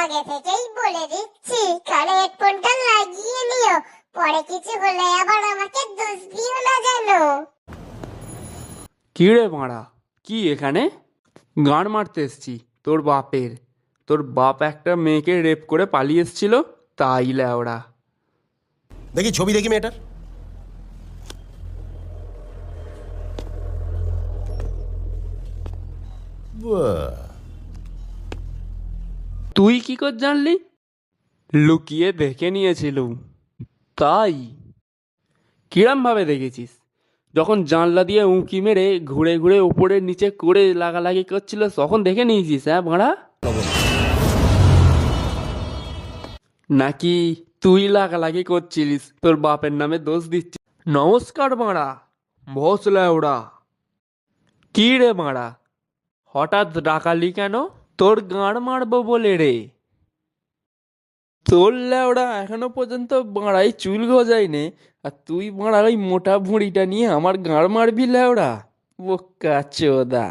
আগে থেকেই বলে দিচ্ছি, কানে হেডফোনটা লাগিয়ে নিও, পরে কিছু হলে আবার আমাকে দোষ দিও না জানো। কি রে মারা, কি এখানে? গান মারতে এসছি তোর বাপের। তোর বাপ একটা মেয়েকে রেপ করে পালিয়ে এসছিল, তাই ল্যাওড়া। দেখি ছবি, দেখি মেয়েটার। বাহ, তুই কি করে জানলি? লুকিয়ে দেখে নিয়েছিলুম। তাই? কিরম ভাবে দেখেছিস? যখন জানলা দিয়ে উঁকি মেরে ঘুরে ঘুরে উপরে নিচে করে লাগালাগি করছিল তখন দেখে নিয়েছিস? হ্যাঁ ভাড়া, নাকি তুই লাগালাগি করছিলিস তোর বাপের নামে দোষ দিচ্ছিস? নমস্কার মারা, বসলে ওরা। কি রে মারা, হঠাৎ ডাকালি কেন? তোর গাঁড় মারবো বলে রে। তোর ল্যাওড়া এখনো পর্যন্ত বাঁড়াই চুল গজায়নি, আর তুই বাঁড়া ওই মোটা ভুঁড়িটা নিয়ে আমার গাঁড় মারবি ল্যাওড়া? বোকা চোদা।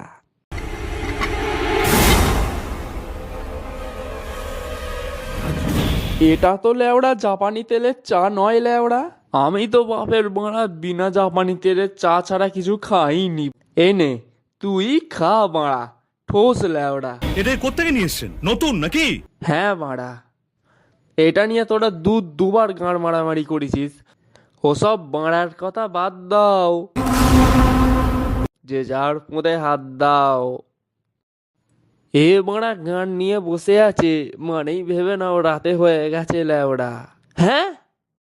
এটা তো ল্যাওড়া জাপানি তেলের চা নয় ল্যাওড়া। আমি তো বাপের বাঁড়া বিনা জাপানি তেলের চা ছাড়া কিছু খাইনি। এনে তুই খা বাঁড়া, ঠোস ল্যাওড়া। এটা কোত্থেকে নিয়ে এসছেন? নতুন নাকি? হ্যাঁ বাঁড়া, এটা নিয়ে তোরা দুবার গাঁড় মারামারি করেছিস। ওসব বাঁড়ার কথা বাদ দাও, যে যার পোঁদে হাত দাও। এ বাঁড়া গান নিয়ে বসে আছে মানেই ভেবে নাও রাতে হয়ে গেছে ল্যাওড়া। হ্যাঁ,